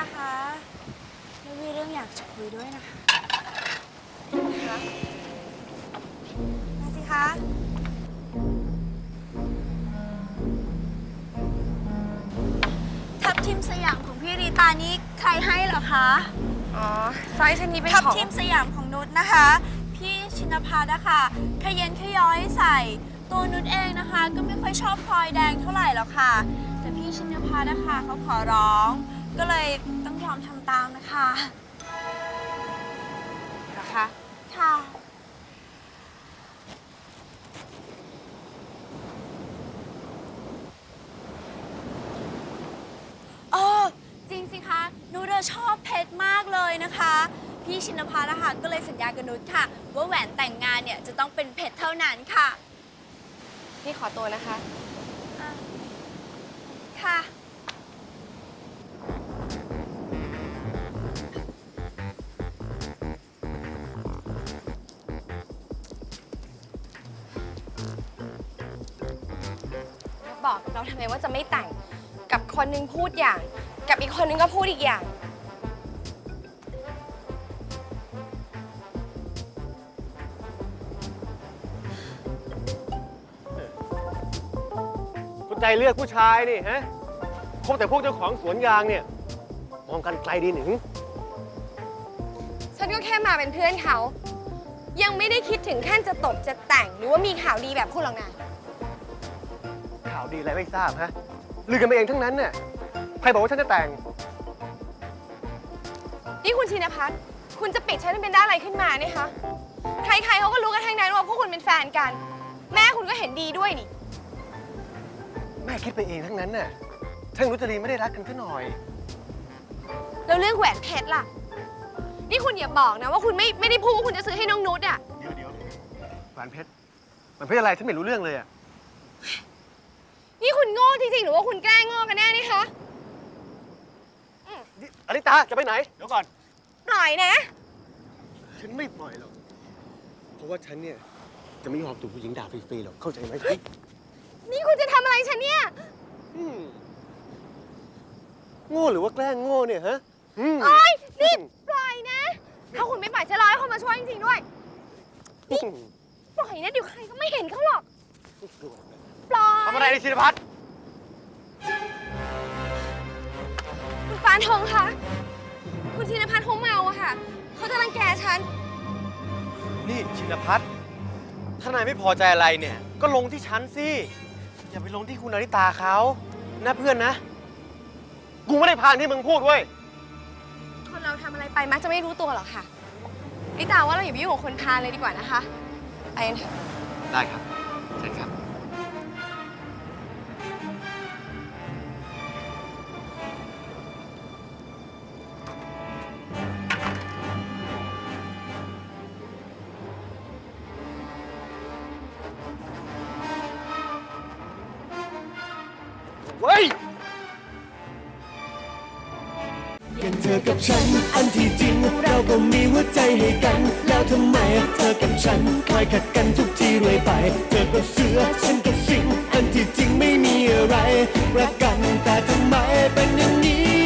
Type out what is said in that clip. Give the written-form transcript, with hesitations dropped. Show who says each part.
Speaker 1: คะแล้วมีเรื่องอยากจะคุยด้วยนะคะมาสิคะทับทิมสยามของพี่ริตานี่ใครให้เหรอคะ
Speaker 2: อ๋อสร้อยเส้นนี้เป็น
Speaker 1: ทับ
Speaker 2: ของ
Speaker 1: ทิมสยามของนุชนะคะพี่ชินภัทรนะคะขยันขย้อยใส่ตัวนุชเองนะคะก็ไม่ค่อยชอบพลอยแดงเท่าไหร่หรอกค่ะแต่พี่ชินภัทรนะคะเขาขอร้องก็เลยต้องยอมทำตามนะคะ
Speaker 2: เหรอคะ
Speaker 1: ค่ะอ๋อจริงสิคะนุชชอบเพชรมากเลยนะคะพี่ชินภัทรนะคะก็เลยสัญญากับนุชค่ะว่าแหวนแต่งงานเนี่ยจะต้องเป็นเพชรเท่านั้นค่ะ
Speaker 2: พี่ขอตัวนะคะ
Speaker 1: อ่ะค่ะ
Speaker 2: บอกกับเราทำไมว่าจะไม่แต่งกับคนนึงพูดอย่างกับอีกคนนึงก็พูดอีกอย่าง
Speaker 3: คุณใจเลือกผู้ชายนี่ฮะคบแต่พวกเจ้าของสวนยางเนี่ยมองกันไกลดีหนึ่ง
Speaker 2: ฉันก็แค่มาเป็นเพื่อนเขายังไม่ได้คิดถึงขั้นจะตบจะแต่งหรือว่ามีข่าวดีแบบคุณหรอกนะ
Speaker 3: ข่าวดีอะไรไม่ทราบฮะลือกันไปเองทั้งนั้นเนี่ยใครบอกว่าฉันจะแต่ง
Speaker 2: นี่คุณชินภัทรคุณจะปิดฉันเป็นได้อะไรขึ้นมาเนี่ยคะใครๆเขาก็รู้กันทั้งนั้นว่าพวกคุณเป็นแฟนกันแม่คุณก็เห็นดีด้วยนี่
Speaker 3: แม่คิดไปเองทั้งนั้นน่ะช่างรุจรีไม่ได้รักกันซะหน่อย
Speaker 2: แล้วเรื่องแหวนเพชรล่ะนี่คุณอย่าบอกนะว่าคุณไม่ได้พูดว่าคุณจะซื้อให้น้องนุชอ่ะ
Speaker 3: เดี๋ยวแหวนเพชรมันเพชรอะไรฉันไม่รู้เรื่องเลยอ่ะ
Speaker 2: นี่คุณโง่จริงๆหรือว่าคุณแกล้งโง่กันแน่นี่คะ
Speaker 3: อลิตาจะไปไหนเดี๋ยวก่อน
Speaker 2: ปล่อยนะ
Speaker 3: ฉันไม่ปล่อยหรอกเพราะว่าฉันเนี่ยจะไม่ยอมถูกผู้หญิงด่าฟรีๆหรอกเข้าใจไหม
Speaker 2: นี่คุณจะทำอะไรฉันเนี่ย
Speaker 3: โง่หรือว่าแกล้งโง่เนี่ยฮะ
Speaker 2: โอ๊ยนี่ปล่อยนะถ้าคุณไม่ปล่อยจะรอให้คนมาช่วยจริงๆด้วยนี่ปล่อยนะเดี๋ยวใครก็ไม่เห็นเขาหรอกปล่อย
Speaker 3: ทำอะไรในชินภัทร
Speaker 2: คุณปานทองคะคุณชินภัทรเขาเมาอะค่ะเขาจะรังแกฉัน
Speaker 4: นี่ชินภัทรถ้านายไม่พอใจอะไรเนี่ยก็ลงที่ฉันสิอย่าไปลงที่คุณอริตาเขานะเพื่อนนะ
Speaker 3: กูไม่ได้พานที่มึงพูดเว้ย
Speaker 2: คนเราทำอะไรไปมักจะไม่รู้ตัวหรอกค่ะลิตาว่าเราอย่าไปยุ่งกับคนพาลเลยดีกว่านะคะไปกันเถอะ
Speaker 4: ได้ครับเชิญครับ
Speaker 3: เว้ย
Speaker 5: อย่างเธอกับฉันอันที่จริงเราก็มีหัวใจให้กันแล้วทำไมเธอกับฉันคอยขัดกันทุกทีเรื่อยไปเธอก็เสือฉันก็สิงอันที่จริงไม่มีอะไรรักกันแต่ทำไมเป็นอย่างนี้